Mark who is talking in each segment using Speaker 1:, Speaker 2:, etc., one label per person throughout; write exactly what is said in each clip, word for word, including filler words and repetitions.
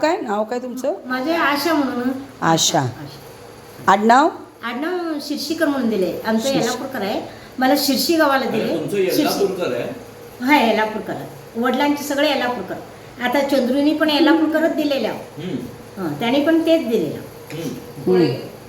Speaker 1: काय नाव काय तुमचं?
Speaker 2: माझे आशा म्हणून.
Speaker 1: आशा. आडनाव?
Speaker 2: आडनाव शिर्षीकर म्हणून दिले. आमचं येलापूरकर आहे. मला शिर्षी गावाला दिले.
Speaker 3: येलापूरकर आहे?
Speaker 2: हा येलापूरकर. वडिलांचे सगळे येलापूरकर. आता चंद्रुनी पण येलापूरकरच दिलेल्या. हां त्यांनी पण तेच दिलेलं.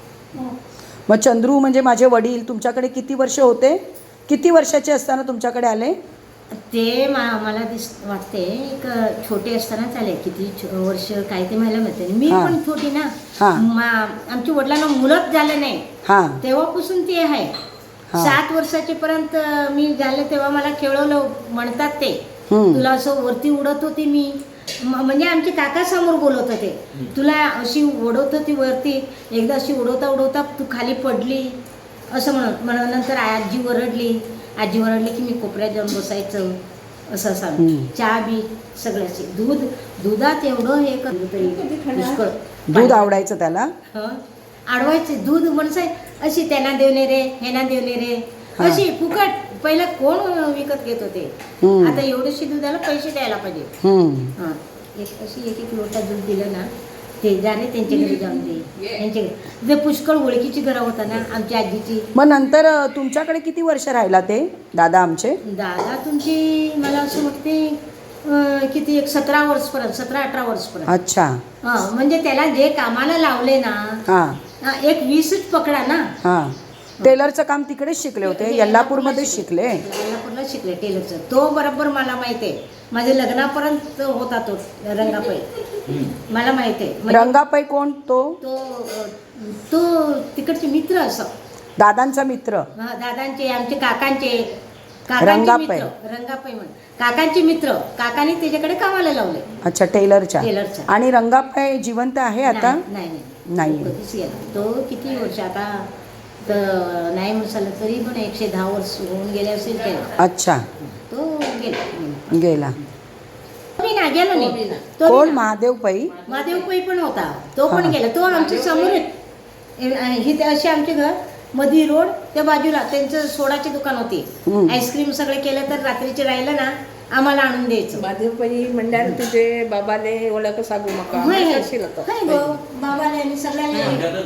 Speaker 1: मग चंद्रू म्हणजे माझे वडील तुमच्याकडे किती वर्ष होते? किती वर्षाचे असताना तुमच्याकडे आले?
Speaker 2: ते मा मला दिस वाटते एक छोटे असतानाच आले. किती वर्ष काय ते मला माहिती. मी पण छोटी ना. आमच्या वडिलांना मुलंच झालं नाही तेव्हापासून ते आहे. सात वर्षाचे पर्यंत मी झाले तेव्हा मला खेळवलं म्हणतात ते. तुला असं वरती उडत होती मी. म्हणजे आमचे काका समोर बोलत होते. तुला अशी उडवत होती वरती. एकदा अशी उडवता उडवता तू खाली पडली असं म्हणत म्हणून नंतर आजी वरडली. आजी वरडली की मी कोपऱ्यात जाऊन बसायचं असं सांग. चहा बी सगळ्याचे दूध दुधात एवढं हे करतो तरी पुष्कळ
Speaker 1: दूध आवडायचं त्याला.
Speaker 2: आडवायचे दूध म्हणसाय अशी त्यांना देवले रे ह्यांना देवले रे अशी फुकट. पहिला कोण विकत घेत होते. आता एवढेशी दुधाला पैसे द्यायला पाहिजे. हा एक अशी एक एक लोटा दूध दिलं ना ते जाणे त्यांच्या घरी जाऊन दे. त्यांच्या घरी जे पुष्कळ ओळखीची घरं होता ना आमच्या आजीची.
Speaker 1: मग नंतर तुमच्याकडे किती वर्ष राहिला ते दादा आमचे?
Speaker 2: दादा तुमची मला असं वाटते किती एक सतरा वर्षपर्यंत सतरा अठरा वर्षपर्यंत.
Speaker 1: अच्छा.
Speaker 2: हा म्हणजे त्याला जे कामाला लावले ना एक वीसच पकडा ना.
Speaker 1: हा टेलरचं काम तिकडेच शिकले होते? येल्लापूरमध्येच शिकले?
Speaker 2: येल्लापूरला शिकले टेलरचं. तो बरोबर मला माहिती आहे. माझ्या लग्नापर्यंत होता तो रंगापै. मला माहिती आहे.
Speaker 1: रंगापै कोण? तो
Speaker 2: तो तो तिकडचे मित्र असं
Speaker 1: दादांचा मित्र.
Speaker 2: दादांचे आमचे काकांचे काकांचे मित्र रंगापै म्हणून काकांचे मित्र. काकांनी त्याच्याकडे कामाला लावले.
Speaker 1: अच्छा टेलरच्या.
Speaker 2: टेलरच्या.
Speaker 1: आणि रंगापै जिवंत आहे आता?
Speaker 2: नाही
Speaker 1: नाही.
Speaker 2: कधीच गेला तो. किती वर्ष आता तर नाही म्हणाल तरी पण एकशे दहा वर्ष होऊन गेले असेल त्याला.
Speaker 1: अच्छा.
Speaker 2: तो गेला
Speaker 1: गेला
Speaker 2: मी ना गेलो नाही.
Speaker 1: कोण? महादेव पै.
Speaker 2: महादेव पै पण होता. तो पण गेला. तो आमच्या समोर ही अशी आमचे घर मधी रोड त्या बाजूला त्यांचं सोडाची दुकान होती. आईस्क्रीम सगळे केलं तर रात्रीचे राहिलं ना आम्हाला आणून द्यायचं.
Speaker 4: महादेवपई म्हणल्यार तुझे बाबाले ओळख सांगू नका.
Speaker 2: बाबाने आणि सगळ्यांना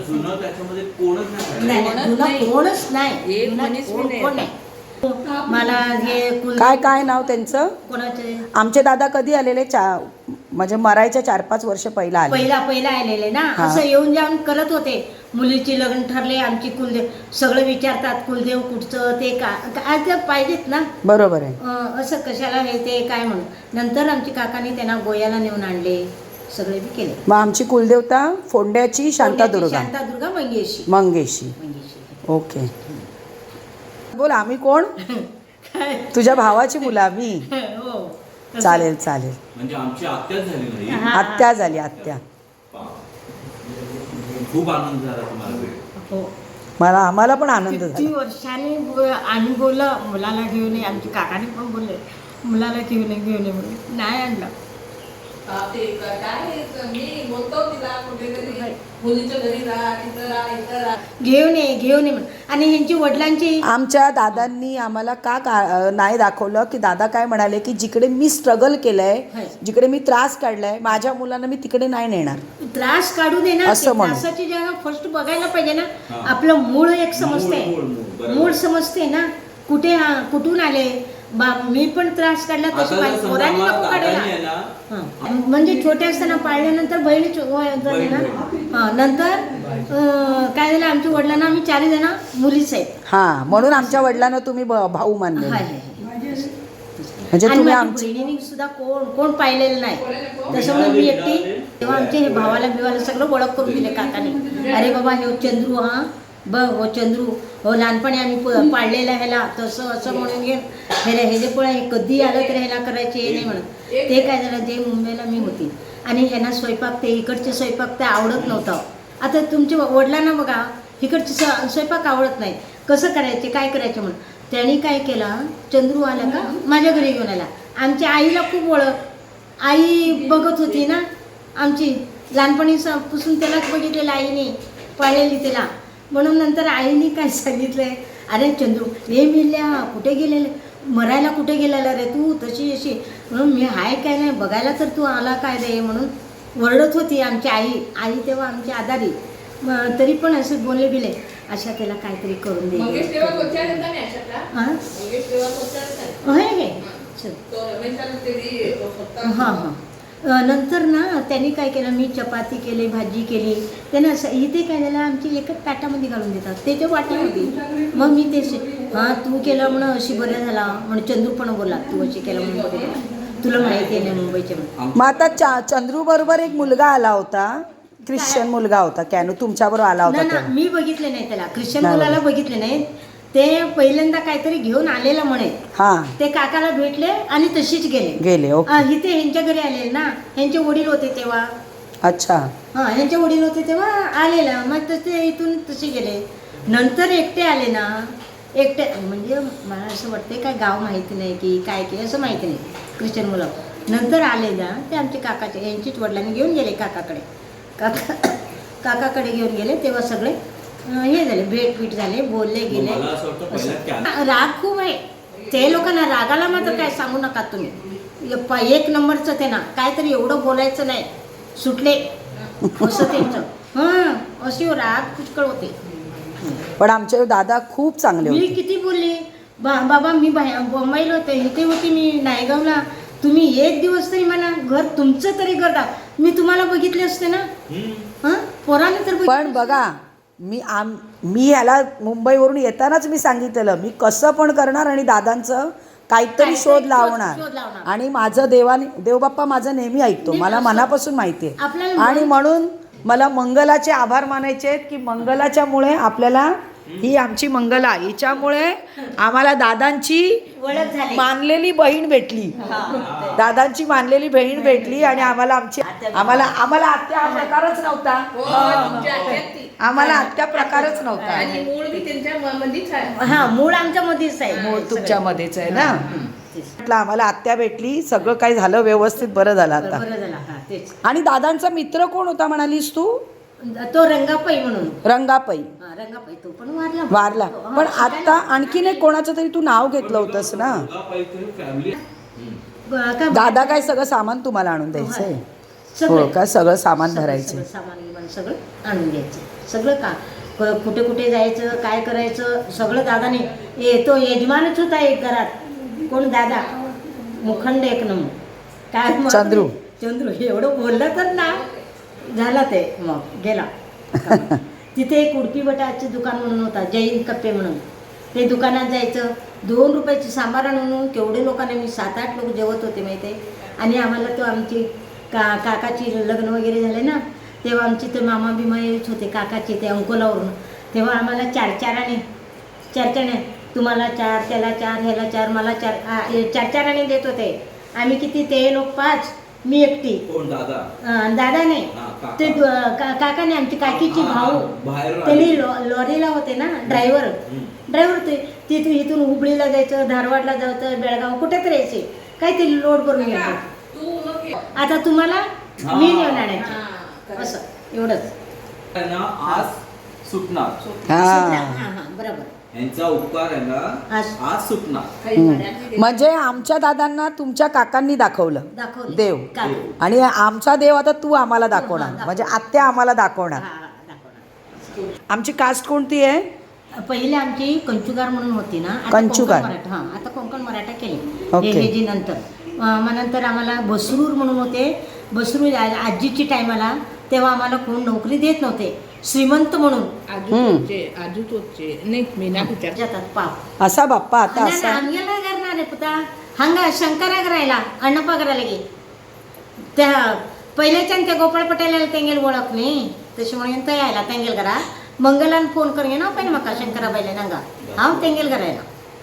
Speaker 3: कोणच
Speaker 2: नाही. मला हे
Speaker 1: काय काय नाव त्यांचं?
Speaker 2: कोणाचे?
Speaker 1: आमचे दादा कधी आलेले? चा म्हणजे मरायच्या चार पाच वर्ष पहिला आले.
Speaker 2: पहिला पहिला आलेले ना. असं येऊन जाऊन करत होते. मुलीची लग्न ठरले आमची कुलदेव सगळं विचारतात कुलदेव कुठचं ते का पाहिजेत ना.
Speaker 1: बरोबर आहे.
Speaker 2: असं कशाला हे ते काय म्हणून नंतर आमची काकांनी त्यांना गोयाला नेऊन आणले. सगळे बी केले.
Speaker 1: मग आमची कुलदेवता फोंड्याची शांतादुर्गा.
Speaker 2: शांतादुर्गा मंगेशी.
Speaker 1: मंगेशी. ओके. बोल आम्ही कोण? तुझ्या भावाची मुलं आम्ही. चालेल चालेल.
Speaker 3: म्हणजे आमची आत्याच झाली नाही.
Speaker 1: आत्या झाली आत्या.
Speaker 3: खूप आनंद झाला तुम्हाला.
Speaker 2: हो
Speaker 1: मला आम्हाला पण आनंद झाला.
Speaker 2: किती वर्षाने आम्ही बोललो मुलाला घेऊन ये. आमचे काकाने पण बोलले मुलाला घेऊन ये घेऊन ये म्हणून नाही आणलं. घेऊन ये घेऊन ये म्हणून. आणि ह्यांची वडिलांची
Speaker 1: आमच्या दादांनी आम्हाला का का नाही दाखवलं की दादा काय म्हणाले की जिकडे मी स्ट्रगल केलंय जिकडे मी त्रास काढलाय माझ्या मुलांना मी तिकडे नाही नेणार.
Speaker 2: त्रास काढू दे ना. त्रासाची जगा फर्स्ट बघायला पाहिजे ना. आपलं मूळ एक समजते. मूळ समजते ना. कुठे कुठून आले. मी पण त्रास काढला तशी पोरांनी नको काढायला. म्हणजे छोटे असताना पाळल्यानंतर बहिणी झाले ना. नंतर काय झालं आमच्या वडिलांना आम्ही चारही जण मुलीच आहेत.
Speaker 1: हा म्हणून आमच्या वडिलांना तुम्ही भाऊ मानले. म्हणजे तुम्ही आमच्या
Speaker 2: बहिणीने सुद्धा कोण कोण पाहिलेलं नाही. त्याच्यामुळे मी एकटी तेव्हा आमचे हे भावाला बिवाला सगळं ओळख करून दिले काकाने. अरे बाबा हे चंद्रू हा बघ हो चंद्रू हो लहानपणी आम्ही पाळलेला ह्याला तसं असं म्हणून घे ह्याला हे जे पण हे कधी आलं तर ह्याला करायचे हे नाही म्हणत. ते काय झालं जे मुंबईला मी होती आणि ह्यांना स्वयंपाक ते इकडचे स्वयंपाक ते आवडत नव्हतं. आता तुमच्या वडिलांना बघा इकडचे स्वयंपाक आवडत नाही. कसं करायचे काय करायचे म्हणून त्यांनी काय केलं. चंद्रू आला का माझ्या घरी घेऊन आला. आमच्या आईला खूप ओळख. आई बघत होती ना आमची लहानपणीपासून त्यालाच बघितलेलं आईने पाळलेली त्याला. म्हणून नंतर आईने काय सांगितलंय अरे चंद्रू हे मिल्या कुठे गेलेले मरायला कुठे गेलेला रे तू तशी अशी म्हणून मी हाय काय नाही बघायला तर तू आला काय रे म्हणून ओरडत होती आमची आई आई तेव्हा आमची आदारी मग तरी पण असं बोलले बिले अशा त्याला काहीतरी करून दे
Speaker 4: मंगेश तेव्हा कोणत्या नंतर नाही अशातला?
Speaker 2: हां
Speaker 4: मंगेश तेव्हा कोणत्या नंतर?
Speaker 2: हे हे चल
Speaker 4: तो रमेशला तेरी तो स्वतः-
Speaker 2: हां हां अ, नंतर ना त्यांनी काय केलं मी चपाती केली भाजी केली त्यानं असं इथे काय झालं आमची एकच ताटामध्ये घालून देतात त्याच्या वाटीमध्ये मग मी ते हां तू केलं म्हणून अशी बरं झाला म्हणून चंद्रू पण बोला तू अशी केलं म्हणून बरं झालं. तुला माहिती आहे ना मुंबईच्या म्हणून.
Speaker 1: मग आता चा चंद्रू बरोबर एक मुलगा आला होता ख्रिश्चन मुलगा होता कॅनू तुमच्याबरोबर आला होता
Speaker 2: ना ना
Speaker 1: तेव्हा.
Speaker 2: मी बघितले नाही त्याला ख्रिश्चन
Speaker 1: नाही.
Speaker 2: मुलाला बघितले नाही ते पहिल्यांदा काहीतरी घेऊन आलेला म्हणे
Speaker 1: हा
Speaker 2: ते काकाला भेटले आणि तशीच गेले
Speaker 1: गेले ओके
Speaker 2: अ, इथे ह्यांच्या घरी आलेले ना ह्यांचे वडील होते तेव्हा
Speaker 1: अच्छा
Speaker 2: हा ह्यांचे वडील होते तेव्हा आलेला मग तसे इथून तसे गेले नंतर एकटे आले ना एकटे म्हणजे मला असं वाटते काय गाव माहिती नाही की काय की असं माहिती नाही ख्रिश्चन मुलं नंतर आले ना ते आमचे काकाचे यांचीच वडिलांनी घेऊन गेले काकाकडे काका काकाकडे घेऊन गेले तेव्हा सगळे अं, हे झाले भेट पीट झाले बोलले गेले
Speaker 3: मला असं वाटतं पहिला
Speaker 2: असं.
Speaker 3: कॅन-
Speaker 2: राग खूप आहे ते लोकांना रागाला मात्र काय सांगू नका तुम्ही प- एक नंबरचं ते ना काहीतरी एवढं बोलायचं नाही सुटले असं त्यांचं हां अशी राग पुष्कळ होते
Speaker 1: पण आमचे दादा खूप चांगले
Speaker 2: मी
Speaker 1: होते
Speaker 2: किती बोलले बा बाबा मी बाहेर मुंबईला होते इथे होती मी नायगावला तुम्ही एक दिवस तरी मला घर तुमचं तरी घर दाख मी तुम्हाला बघितले असते ना
Speaker 3: हम्म.
Speaker 2: हां पोराने तर बघितले
Speaker 1: पण बघा मी आम मी याला मुंबईवरून येतानाच मी सांगितलेलं मी कसं पण करणार आणि दादांचं काहीतरी
Speaker 2: काहीतरी
Speaker 1: शोध
Speaker 2: शोध-
Speaker 1: लावणार
Speaker 2: शोध लावणार.
Speaker 1: आणि माझं देवाने देवबाप्पा माझं नेहमी ऐकतो
Speaker 2: नेहमी
Speaker 1: मला
Speaker 2: असं-
Speaker 1: मनापासून माहिती आहे
Speaker 2: आपल्याला
Speaker 1: आणि
Speaker 2: मन-
Speaker 1: म्हणून मला मंगलाचे आभार मानायचे आहेत की मंगलाच्यामुळे आपल्याला ही आमची मंगला हिच्यामुळे आम्हाला दादांची
Speaker 2: ओळख झाली
Speaker 1: मानलेली बहीण भेटली दादांची मानलेली बहीण भेटली आणि आम्हाला आमची आम्हाला आम्हाला आत्या हा प्रकारच नव्हता
Speaker 4: हो, तुमच्या आत्यात ती.
Speaker 1: आम्हाला आत्या प्रकारच नव्हता
Speaker 4: आणि मूळ बी त्यांच्या म- मध्येच आहे
Speaker 2: हा मूळ आमच्या मध्येच आहे
Speaker 1: मूळ तुमच्यामध्येच आहे ना
Speaker 2: तेच.
Speaker 1: म्हटलं आम्हाला आत्या भेटली सगळं काही झालं व्यवस्थित बरं झालं आता
Speaker 2: बरं झालं हा तेच
Speaker 1: आणि दादांचा मित्र कोण होता म्हणालीस तू
Speaker 2: तो रंगापई म्हणून
Speaker 1: रंगापई
Speaker 2: हा, रंगापई तो पण वारला
Speaker 1: वारला
Speaker 2: हा,
Speaker 1: पण
Speaker 2: शिकायला-
Speaker 1: आता आणखीन एक कोणाचं तरी तू नाव घेतलं होतंस ना
Speaker 3: मुलगा पाहिजे फॅमिली
Speaker 2: ब- का-
Speaker 1: दादा काय सगळं सामान तुम्हाला आणून द्यायचंय
Speaker 2: सगळं.
Speaker 1: हो का सगळं सामान
Speaker 2: सगळं-
Speaker 1: भरायचं
Speaker 2: सगळं सामान बिमान सगळं आणून द्यायचं सगळं का क- कुठे कुठे जायचं काय करायचं सगळं दादाने ए तो यजमानच होता एक घरात कोण दादा मुखंड एक नंबर काय मग-
Speaker 1: चंद्रू.
Speaker 2: चंद्रू एवढं बोललं तर ना झाला ते मग गेला तिथे एक उडपी बटाचे दुकान म्हणून होता जैन कप्पे म्हणून ते दुकानात जायचं दोन रुपयाची सांबार आणून केवढे लोकांना मी सात आठ लोक जेवत होते माहिती आहे आणि आम्हाला तो आमची का काकाची लग्न वगैरे झाले ना तेव्हा आमचे ते मामा बिमा येत होते काकाचे ते अंकोलावरून तेव्हा आम्हाला चार चाराने चार चाराने तुम्हाला चार त्याला चार ह्याला चार मला चार आ, हे चार चाराने देत होते आम्ही किती ते लोक पाच मी एकटी
Speaker 3: कोण दादा
Speaker 2: अं, दादा नाही
Speaker 3: हा, काका.
Speaker 2: ते दु- का- काकाने आमची काकीची
Speaker 3: हा,
Speaker 2: भाऊ
Speaker 3: बाहेर
Speaker 2: त्यांनी
Speaker 3: आले.
Speaker 2: लॉ- लॉरीला होते ना ड्रायव्हर
Speaker 3: हम्म.
Speaker 2: ड्रायव्हर ते तिथून इथून हुबळीला जायचं धारवाडला जायचं बेळगाव कुठेतरी यायचे काहीतरी लोड करून घ्यायचं
Speaker 4: तू मग ये.
Speaker 2: आता तुम्हाला
Speaker 3: हा.
Speaker 2: मी नेऊन आणायचं
Speaker 4: हा, correct.
Speaker 2: असं एवढंच
Speaker 3: त्यांना आज सुटणार
Speaker 1: हा
Speaker 2: हा हा बरोबर
Speaker 3: यांचा उपकार आहे ना
Speaker 2: आज-
Speaker 3: आज सुटणार
Speaker 4: काही भाड्यातली दे-
Speaker 1: म्हणजे आमच्या दादांना तुमच्या काकांनी दाखवलं
Speaker 2: दाखवलं
Speaker 1: देव
Speaker 2: काका.
Speaker 1: आणि आमचा देव आता तू आम्हाला दाखवणार
Speaker 2: दाखव.
Speaker 1: म्हणजे आत्या आम्हाला
Speaker 2: हा,
Speaker 1: दाखवणार
Speaker 2: हा, दाखवणार.
Speaker 1: आमची कास्ट कोणती आहे
Speaker 2: पहिले आमची कंचुगार म्हणून होती ना आता
Speaker 1: कंचुगार.
Speaker 2: कोकण मराठा हा आता कोकण मराठा केले
Speaker 1: ओके.
Speaker 2: हे हे जी नंतर अं, मग नंतर आम्हाला बसरूर म्हणून होते बसरूर आ- आजीची टायमाला तेव्हा आम्हाला कोण नोकरी देत नव्हते श्रीमंत म्हणून
Speaker 4: आजू तोचे आजू तोचे नाही मीना कुठच्या
Speaker 2: जातात पाप
Speaker 1: असा बाप्पा आता असा
Speaker 2: आम्हाला करणार आहे पुता हंगा शंकरा करायला अण्णप्पा करायला गे त्या पहिल्याच्या त्या गोपाळ पटेला तेंगेल ओळख नाही त्याच्यामुळे तो यायला तेंगेल करा मंगलान फोन करून ना पहिले मका शंकरा बाईला नंगा हांव तेंगेल करायला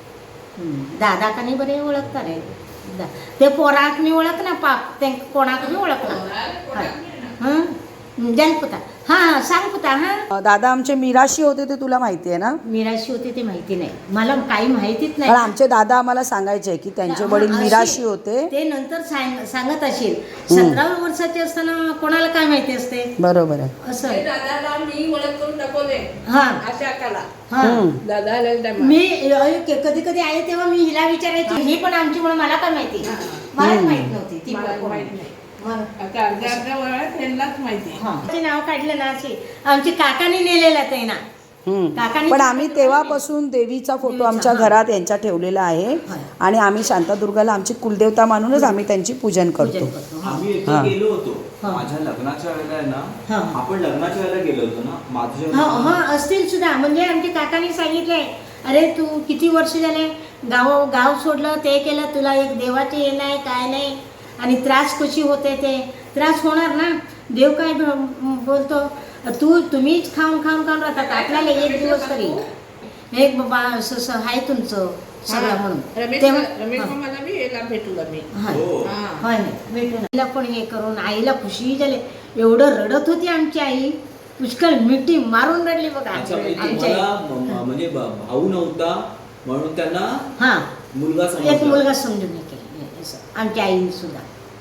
Speaker 2: हम्म. दादा का नाही बरे ओळखता रे दा- ते पोराक मी ओळख ना पाप ते कोणाक मी ओळख ना हं जाल पुता हा हा सांग पुता हा
Speaker 1: दादा आमचे मिराशी होते ते तुला माहिती आहे ना
Speaker 2: मिराशी होती ते माहिती नाही मला काही माहितीच नाही
Speaker 1: कारण आमचे दादा आम्हाला सांगायचे की त्यांचे वडील
Speaker 2: अशी-
Speaker 1: मिराशी होते
Speaker 2: ते नंतर सांग- सांगत असेल सतराव्या वर्षाचे असताना कोणाला काय माहिती असते
Speaker 1: बरोबर आहे
Speaker 2: असं
Speaker 4: ते दादाला मी ओळख करून दाखवले
Speaker 2: हा
Speaker 4: अशा काला
Speaker 2: हा
Speaker 1: हम्म.
Speaker 4: दादा आलेला time.
Speaker 2: मी कधी कधी आले तेव्हा मी हिला विचारायची ही पण आमची म्हणून मला काय माहिती मलाच माहित नव्हती ती
Speaker 4: मला
Speaker 2: कोण.
Speaker 4: माहित नाही.
Speaker 2: मग
Speaker 4: आता अर्ध्या अर्ध्या वयात त्यांनाच माहिती.
Speaker 2: ते नाव काढलं ना असे आमची काकाने नेलेलं ते ना.
Speaker 1: हम्म.
Speaker 2: काकांनी
Speaker 1: पण आम्ही तेव्हापासून देवीचा फोटो
Speaker 2: देवीचा,
Speaker 1: आमच्या
Speaker 2: हां.
Speaker 1: घरात यांच्या ठेवलेला आहे
Speaker 2: हां.
Speaker 1: आणि आम्ही शांतादुर्गाला आमची कुलदेवता मानूनच आम्ही त्यांची पूजन करतो.
Speaker 2: पूजन करतो. हा.
Speaker 3: आम्ही
Speaker 1: हा.
Speaker 3: एकदा गेलो होतो
Speaker 2: हा.
Speaker 3: माझ्या लग्नाच्या वेळेला आहे
Speaker 2: हा.
Speaker 3: ना, आपण लग्नाच्या वेळेला गेलो होतो ना
Speaker 2: हा
Speaker 3: माझ्या
Speaker 2: हा असतील सुद्धा. म्हणजे आमच्या काकांनी सांगितलंय, अरे तू किती वर्ष झाले गाव गाव सोडलं, ते केलं, तुला एक देवाचे हे नाही काय नाही, आणि त्रास कशी होते, ते त्रास होणार ना. देव काय ब- बोलतो, तू तुम्हीच खाऊन खाऊन खाऊन राहतात, आपल्याला एक दिवस तरी हे बाबा असं असं आहे तुमचं सगळं म्हणून.
Speaker 4: रमेश
Speaker 2: तेव्हा-
Speaker 4: रमेश
Speaker 2: हा.
Speaker 4: मामाला बी याला भेटू आम्ही.
Speaker 2: हा.
Speaker 3: हो.
Speaker 4: हा.
Speaker 2: होय ना, भेटून आईला पण हे करून आईला खुशी झाली. एवढं रडत होती आमची आई, पुष्कळ मिठी मारून रडली बघा
Speaker 3: अच्छा, म्हणजे
Speaker 2: आमची आई.
Speaker 3: तुम्हाला म- म- म्हणजे ब- भाऊ नव्हता म्हणून त्यांना
Speaker 2: हा
Speaker 3: मुलगा
Speaker 2: एक
Speaker 3: समजला.
Speaker 2: मुलगा समजून हे केलं असं. आमच्या आईने सुद्धा.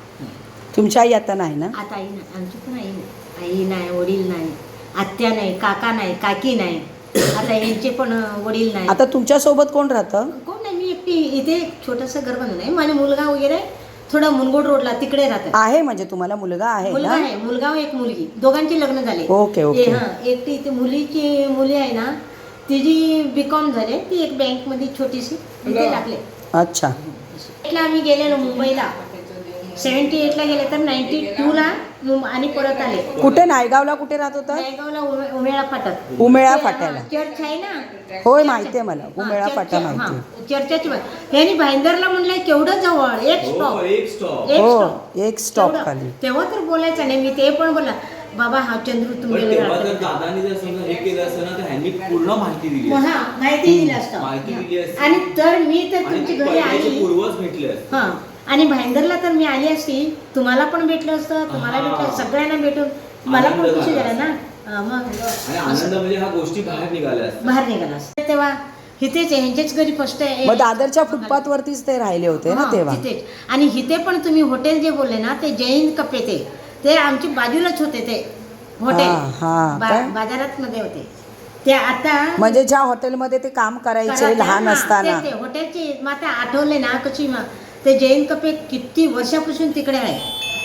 Speaker 1: तुमची आई आता नाही ना?
Speaker 2: आता आई नाही, आमची पण आई नाही. आई नाही, वडील नाही, आत्या नाही, काका नाही, काकी नाही. आता यांचे पण वडील नाही.
Speaker 1: आता तुमच्या सोबत कोण राहतं?
Speaker 2: कोण नाही, मी एकटी इथे छोटंसं घर बांधून आहे. माझा मुलगा वगैरे थोडा मुनगोड रोडला तिकडे राहतात.
Speaker 1: आहे म्हणजे तुम्हाला मुलगा आहे
Speaker 2: मुलगा
Speaker 1: ना?
Speaker 2: आहे, मुलगा व एक मुलगी, दोघांची लग्न झाले.
Speaker 1: Okay, okay.
Speaker 2: ए, हा, एकटी इथे मुलीची मुली आहे ना, तिची बी कॉम झाले, ती एक बँक मध्ये छोटीशी तिथे लागले.
Speaker 1: अच्छा.
Speaker 2: एटला आम्ही गेलेलो मुंबईला, सेव्हन्टी एटला गेले तर नाईन्टी टूला आणि परत आले.
Speaker 1: कुठे? नायगावला कुठे राहत होता?
Speaker 2: नायगावला उमे- उमेळा फाटत.
Speaker 1: उमेळा
Speaker 2: ते,
Speaker 1: फाट्याला.
Speaker 2: हा, चर्च आहे ना.
Speaker 1: होय,
Speaker 2: चर्च.
Speaker 1: माहितीये मला.
Speaker 2: हा,
Speaker 1: उमेळा
Speaker 2: चर्च,
Speaker 1: फाटा
Speaker 2: हा,
Speaker 1: माहितीये.
Speaker 2: चर्चाची बात. ह्यानी भाईंदरला म्हणलंय केवढं जवळ, एक
Speaker 3: हो,
Speaker 2: स्टॉप
Speaker 3: एक स्टॉप.
Speaker 2: एक
Speaker 1: हो,
Speaker 2: स्टॉप.
Speaker 1: एक स्टॉप
Speaker 2: तेवढं.
Speaker 1: खाली.
Speaker 2: तेव्हा तर बोलायचं नाही, मी ते पण बोला बाबा हा चंद्रू
Speaker 3: पण
Speaker 2: तुम्ही
Speaker 3: तेव्हा जर दादानी जर समजा हे केलं असतं ना, तर ह्यांनी पूर्ण माहिती दिली असती.
Speaker 2: हा माहिती दिली असतं.
Speaker 3: माहिती दिली असती.
Speaker 2: आणि तर मी तर
Speaker 3: आणि
Speaker 2: तुमच्या
Speaker 3: ती
Speaker 2: घरी
Speaker 3: पहिल्याचे
Speaker 2: आली.
Speaker 3: पूर्वज भेटले असते.
Speaker 2: हा, आणि भाईंदरला तर मी आली असती, तुम्हाला पण भेटलं असतं, तुम्हाला
Speaker 3: हा.
Speaker 2: भेटलं, सगळ्यांना भेटून मला पण
Speaker 3: आनंद
Speaker 2: खुशी
Speaker 3: झाला
Speaker 2: झाला ना. हा, मग
Speaker 3: आणि आनंद म्हणजे ह्या गोष्टी बाहेर निघाल्या असतात.
Speaker 2: बाहेर निघाला असतं. तेव्हा इथेच ह्यांच्याच घरी फर्स्ट आहे.
Speaker 1: मग दादरच्या फुटपाथ वरतीच ते राहिले होते ना
Speaker 2: हा,
Speaker 1: तेव्हा?
Speaker 2: तिथेच. आणि इथे पण तुम्ही हॉटेल जे बोलले ना, ते जैन कपे ते ते आमच्या बाजूलाच होते ते हॉटेल.
Speaker 1: हा, हा,
Speaker 2: बा-
Speaker 1: काय?
Speaker 2: बाजारात मध्ये होते ते. आता
Speaker 1: म्हणजे ज्या हॉटेलमध्ये ते काम करायचे
Speaker 2: करायचे,
Speaker 1: लहान
Speaker 2: हा,
Speaker 1: असताना.
Speaker 2: ते- ते हॉटेलचे मग आता आठवले ना कशी मग ते जैन कपे किती वर्षापासून तिकडे आहे.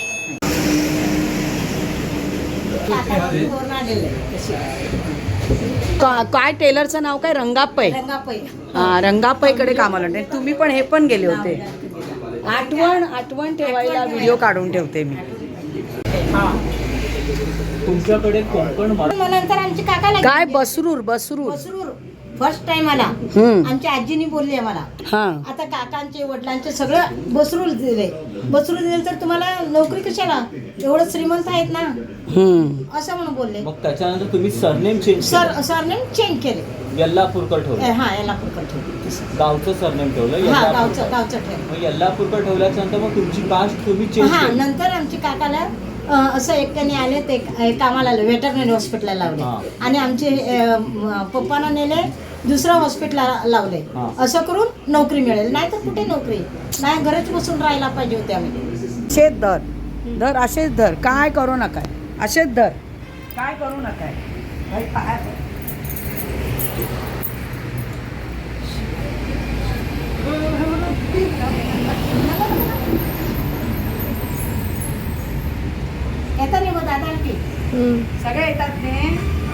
Speaker 1: का- काय टेलरचं नाव काय? रंगापै.
Speaker 2: रंगापै.
Speaker 1: हा, रंगापैकडे कामाला होते. तुम्ही पण हे पण गेले होते. आठवण आठवण ठेवायला व्हिडिओ काढून ठेवते मी.
Speaker 3: तुमच्याकडे कोकण मराठी
Speaker 2: मग नंतर आमची काका लागली.
Speaker 1: काय? बसरूर बसरूर.
Speaker 2: बसरूर फर्स्ट टाइम आला.
Speaker 1: हम्म.
Speaker 2: आमच्या आजीनी बोलली आम्हाला,
Speaker 1: हा.
Speaker 2: आता काकांचे वडिलांचे सगळं बसरूर दिले. बसरूर दिले तर तुम्हाला नोकरी कशाला, एवढं श्रीमंत आहेत ना,
Speaker 1: हम्म.
Speaker 2: असं म्हणून बोलले.
Speaker 3: मग त्याच्यानंतर तुम्ही surname change
Speaker 2: sir surname change केले.
Speaker 3: यल्लापूरकर ठेवलं.
Speaker 2: हा, याला पुरकर ठेवले.
Speaker 3: गावचं सरनेम ठेवलं
Speaker 2: हा,
Speaker 3: यल्लापूरकर.
Speaker 2: गावचं गावचं ठेवलं.
Speaker 3: मग यल्लापूरकर ठेवल्याच्या नंतर मग तुमची कास्ट तुम्ही चेंज
Speaker 2: हा,
Speaker 3: केली.
Speaker 2: नंतर आमच्या काकाला अं, असं एकट्याने आले, ते अं, कामाला आले, वेटरनरी हॉस्पिटलला लावले.
Speaker 3: हा.
Speaker 2: आणि आमचे अं, म- पप्पांना नेले दुसऱ्या हॉस्पिटलला लावले.
Speaker 3: हा.
Speaker 2: असं करून नोकरी मिळेल, नाही तर कुठे नोकरी नाही, घरच बसून राहायला पाहिजे होते आम्ही.
Speaker 1: असेच धर धर असेच धर, काय करू नका, असेच धर, काय करू नका. भाई, पाय पड.
Speaker 2: येतात नाही मग दादा की
Speaker 4: सगळे येतात ने.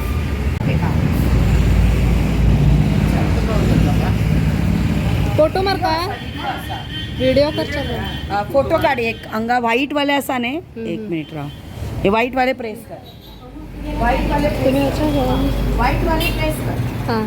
Speaker 5: फोटो मार का व्हिडिओ कर चल
Speaker 1: अ, फोटो काढ. एक अंगा व्हाईट वाले असा ने. एक मिनिट राव, हे व्हाईट वाले प्रेस कर. व्हाईट वाले
Speaker 5: तुम्ही अच्छा हो
Speaker 1: व्हाईट वाले प्रेस कर.
Speaker 5: हां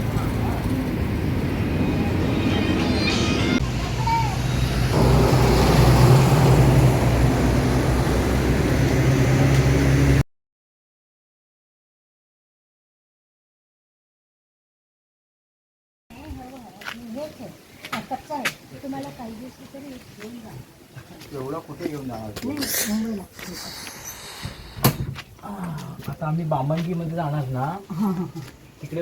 Speaker 3: एवढं कुठे घेऊन जाणार? आता आम्ही बामणगी मध्ये जाणार ना, तिकडे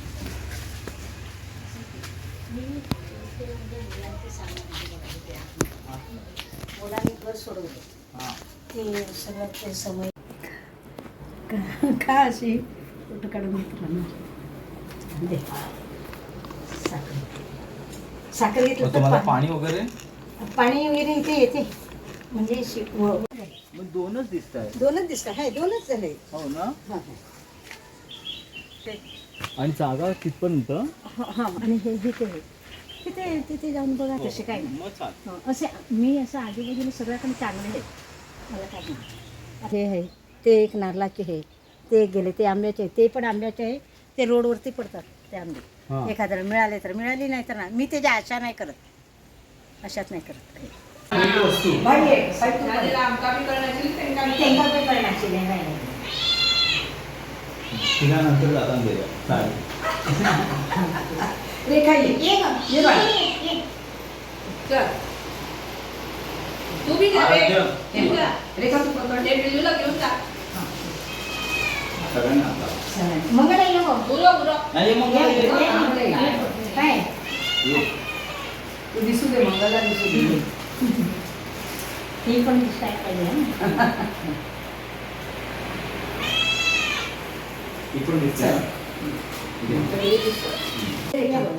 Speaker 2: मुलांनी घर सोडवलं.
Speaker 3: हा.
Speaker 2: ते सगळं ते समय का अशी फोटो काढून मित्रांना दे. साखर साखर घेतलं
Speaker 3: मग
Speaker 2: तर
Speaker 3: तुम्हाला
Speaker 2: पा-
Speaker 3: पाणी वगैरे
Speaker 2: पाणी वगैरे इथे येते. म्हणजे शि- व-
Speaker 3: मग दोनच दिसत आहे
Speaker 2: दोनच दिसत आहे दोनच झाले
Speaker 3: हो ना
Speaker 2: हां
Speaker 3: आणि जागा कितपर्यंत
Speaker 2: हां आणि हे हे ते तिथे तिथे जाऊन बघा तसे काय नाही
Speaker 3: मग चाल
Speaker 2: हो, असे मी असं आजूबाजूला सगळ्याकडे चांगले आहेत मला काय नाही हे आहे ते एक नारळाचे आहे ते एक गेले ते आंब्याचे आहे ते पण आंब्याचे आहे ते रोडवरती पडतात ते आंबे
Speaker 3: हां.
Speaker 2: एखाद्याला मिळाले तर मिळाली नाही तर नाही मी त्याच्या आशा नाही करत अशात नाही करत हे.
Speaker 4: आमका बी करण्याची त्यांना बी
Speaker 2: त्यांना पण करण्याची नाही, नाही, नाही.
Speaker 3: तिला नंतर जाताना दे चालेल
Speaker 1: रेखा ये
Speaker 2: ये गं,
Speaker 1: ये बाळा.
Speaker 2: ये, ये.
Speaker 4: चल. तू बी जा रे.
Speaker 3: आराध्य.
Speaker 4: तू जा.
Speaker 1: रेखा तू पकड
Speaker 4: ते बिल्लूला घेऊन जा.
Speaker 3: सगळ्यांना आता.
Speaker 2: मंगळ ये गं.
Speaker 4: उरो, उरो.
Speaker 3: नाही मग
Speaker 2: ये,
Speaker 3: ये.
Speaker 2: ये, ये. काय
Speaker 3: ये.
Speaker 1: तू दिसू दे मंगलला दिसू दे
Speaker 2: ती पण दिसताय पाहिजे हं.
Speaker 3: इकडून दिसतंय ना?
Speaker 2: ये गं.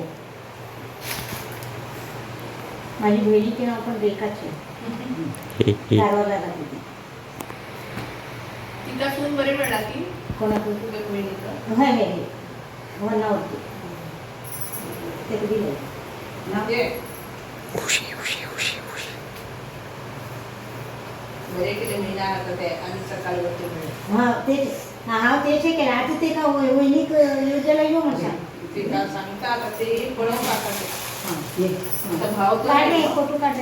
Speaker 2: माझी बहिणीचे नाव पण रेखाचे दारवाजाला तिथे
Speaker 4: तिला सून बरी मिळाला की
Speaker 2: कोणाकडून
Speaker 4: तुझ्या बहिणीचं.
Speaker 2: हाय हाय हाय. वनावरती ते कधी नाही
Speaker 4: ये. बरे केले महिना आता ते आणि सकाळी वरती मिळेल.
Speaker 2: हा तेच हा तेच हे केलं आता ते का वै- वैनिक योजनेला येऊ म्हणा
Speaker 4: तिला सांगता आता ते बनवून टाकायचे.
Speaker 2: हां ये
Speaker 4: आता भाव तर
Speaker 2: काढ रे
Speaker 4: नाही.
Speaker 2: फोटो काढ रे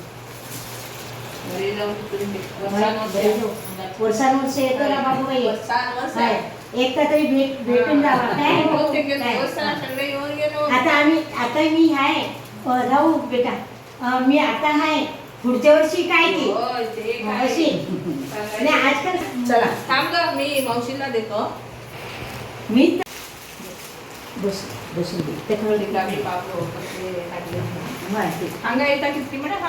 Speaker 4: घरी जाऊन तुम्ही वर्षांवर
Speaker 2: वर्षानुवर्ष येतो ना बाबू बाई
Speaker 4: वर्षांवर
Speaker 2: हाय. एकदा तरी भेट भेटून जावा काय
Speaker 4: हो, ते गेले.
Speaker 2: काय?
Speaker 4: वर्षाला सगळे येऊन गेलो.
Speaker 2: आता आम्ही आता मी आहे अ, राहू बेटा अ, मी आता आहे पुढच्या वर्षी काय ती
Speaker 4: होय, ते काय.
Speaker 2: अशी आणि
Speaker 4: सांगायचं.
Speaker 2: आजकाल
Speaker 1: चला
Speaker 4: थांब ग, मी मावशीला देतो.
Speaker 2: मी बस बसून दे ते खरं
Speaker 4: तिला मी पावलो कसे लागले.
Speaker 2: माहिती
Speaker 4: अंगा येता किती म्हणा.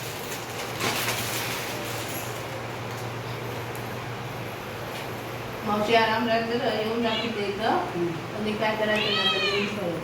Speaker 4: मावशी आराम राहते येऊन जाते ते इथं आणि काय करायचं नंतर येऊन करायचं.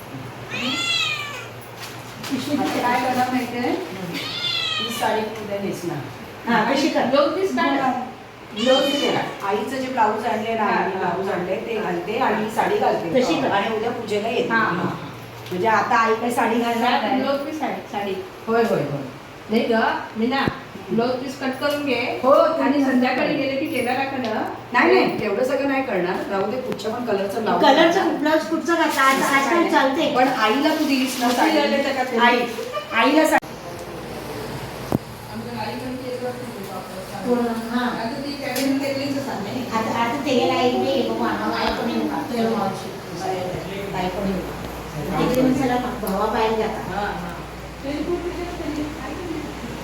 Speaker 1: आता काय करणार माहितीये ही साडी उद्या नेसणार
Speaker 2: हा कशी कर
Speaker 4: लोक दिस काढ.
Speaker 1: ब्लाऊज घेणार. आईचं जे ब्लाऊज आणले ना आईने ब्लाऊज आणले ते घालते आणि साडी घालते
Speaker 2: तशी कर.
Speaker 1: आणि उद्या पूजेला येते
Speaker 4: हा, हा.
Speaker 1: म्हणजे आता आई काही साडी घालणार नाही
Speaker 4: लोक पीस साडी साडी
Speaker 1: होय होय होय
Speaker 4: नाही ग मीना ब्लाऊज पीस कट करून घे
Speaker 1: हो,
Speaker 4: आणि संध्याकाळी गेले की टेलराकडं
Speaker 1: नाही नाही तेवढं सगळं नाही करणार राहू दे कुठच्या पण कलरचं ब्लाऊज
Speaker 2: कलरचं ब्लाऊज कुठचं घातलं आज आजकाल चालते
Speaker 1: पण आईला तू दिलीस ना साडी
Speaker 4: झाले त्याच्यात.
Speaker 1: आई आईला साडी
Speaker 4: आमच्या गाडीकडे येत असते ते वापरायला.
Speaker 2: पूर्ण, हा.
Speaker 4: आता ती फॅमिली केलीच सांग
Speaker 2: आता आता ते गेला एक बी बाबा आम्हाला आई पण येऊ का तर मावशी आई पण येऊ का तिकडे मग चला भावा बाहेर जातात
Speaker 4: हा हा ते खूप विचार केली. काय केली?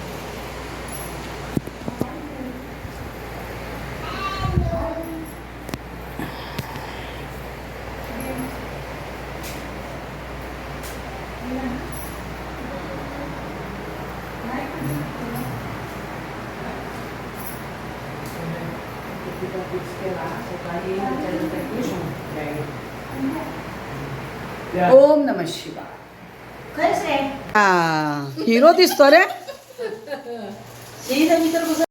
Speaker 1: ओम नमः शिवाय
Speaker 2: खरंच रे
Speaker 1: हिरो दिसतो रे
Speaker 2: श्रीदेवी तर